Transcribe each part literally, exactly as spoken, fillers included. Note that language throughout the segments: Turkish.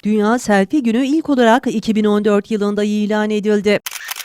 Dünya Selfie Günü ilk olarak iki bin on dört yılında ilan edildi.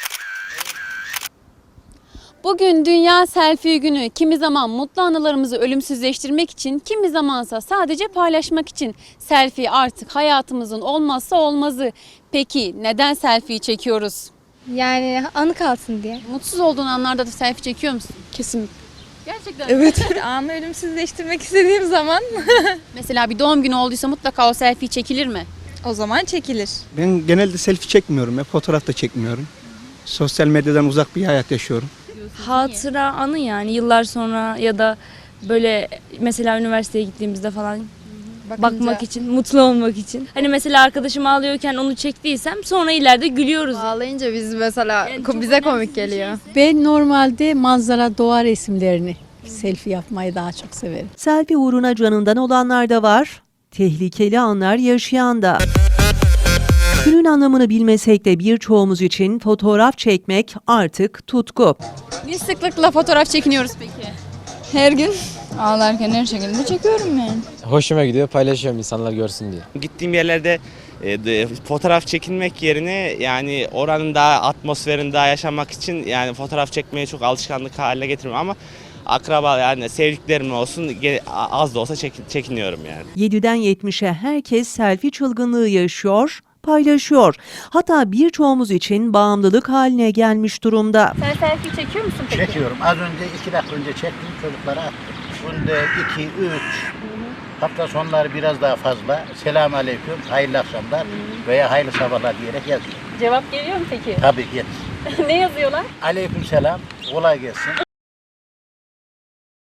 Bugün Dünya Selfie Günü. Kimi zaman mutlu anılarımızı ölümsüzleştirmek için, kimi zamansa sadece paylaşmak için. Selfie artık hayatımızın olmazsa olmazı. Peki neden selfie çekiyoruz? Yani anı kalsın diye. Mutsuz olduğun anlarda da selfie çekiyor musun? Kesinlikle. Gerçekten. Evet. Anı ölümsüzleştirmek istediğim zaman Mesela bir doğum günü olduysa mutlaka o selfie çekilir mi? o zaman çekilir. Ben genelde selfie çekmiyorum ya, fotoğraf da çekmiyorum. Sosyal medyadan uzak bir hayat yaşıyorum. Hatıra anı yani yıllar sonra ya da böyle mesela üniversiteye gittiğimizde falan Bakınca, bakmak için, mutlu olmak için. Hani mesela arkadaşım ağlıyorken onu çektiysem sonra ileride gülüyoruz. Ağlayınca biz mesela Yani ko- çok bize önemsiz komik bir geliyor. Ben normalde manzara, doğa resimlerini, selfie yapmayı daha çok severim. Selfie uğruna canından olanlar da var, tehlikeli anlar yaşayan da. Günün anlamını bilmesek de birçoğumuz için fotoğraf çekmek artık tutku. Ne sıklıkla fotoğraf çekiniyoruz peki? Her gün ağlarken her şekilde çekiyorum yani. Hoşuma gidiyor, paylaşıyorum insanlar görsün diye. Gittiğim yerlerde e, de- fotoğraf çekinmek yerine yani oranın daha atmosferini daha yaşamak için yani fotoğraf çekmeyi çok alışkanlık haline getiriyorum ama akraba yani sevdiklerim olsun ge- az da olsa çekin- çekiniyorum yani. yediden yetmişe herkes selfie çılgınlığı yaşıyor, paylaşıyor. Hatta birçoğumuz için bağımlılık haline gelmiş durumda. Sen selfie çekiyor musun peki? Çekiyorum. Az önce iki dakika önce çektim, çocuklara attım. Günde iki, üç, hafta sonları biraz daha fazla. Selamun aleyküm, hayırlı akşamlar veya hayırlı sabahlar diyerek yazıyorum. Cevap geliyor mu peki? Tabii gelir. Ne yazıyorlar? Aleyküm selam, kolay gelsin.